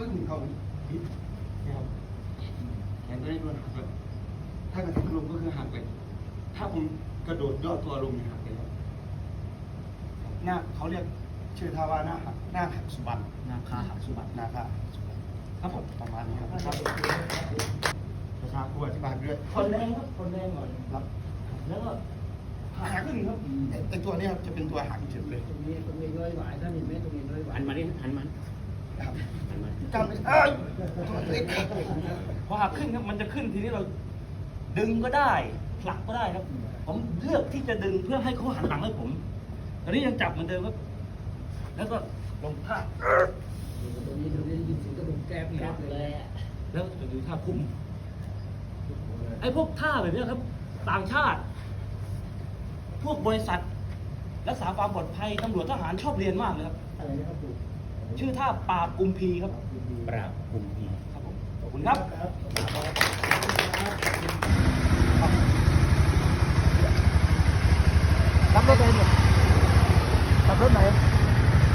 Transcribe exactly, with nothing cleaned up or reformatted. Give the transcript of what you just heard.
ึ่งเขาพิษนะครับแขนตัวนี้โดนหักเลยถ้ากระแทกลงก็คือหักเลยถ้าผมกระโดดย่อตัวลงเนี่ยหักเลยครับหน้าเขาเรียกชื่อท่าว่าหน้าหักหน้าหักสุบันนาคาหักสุบัติหน้าค่ะครับผมประมาณนี้ครับประชาครูอธิบายไปด้วยคนแรงครับคนแรงก่อนครับแล้วก็หักขึ้นครับไอตัวนี้ครับจะเป็นตัวหักเฉยเลยตรงนี้ตรงนี้ร้อยหวายถ้ามีเม็ดตรงนี้ร้อยหวายหันมาดิหันมาครับหันมาจำไม่ได้ตัวเล็กพอหักขึ้นครับมันจะขึ้นทีนี้เราดึงก็ได้ผลักก็ได้ครับ ผมเลือกที่จะดึงเพื่อให้เขาหันหลังให้ผมตอนนี้ยังจับเหมือนเดิมครับแล้วก็ลงท่าตรงนี้ตรงนี้ยินเสียงกระดูกแก้แก้เลยอะแล้วจะดูท่าคุมไอ้พวกท่าแบบนี้ครับ ต่างชาติ พวกบริษัทรักษาความปลอดภัยตำรวจทหารชอบเรียนมากเลยครับอะไรนะครับปู่ชื่อท่าปราบกุมพีครับปปราราบบกุมพีครับผมขอบคุณครับครับ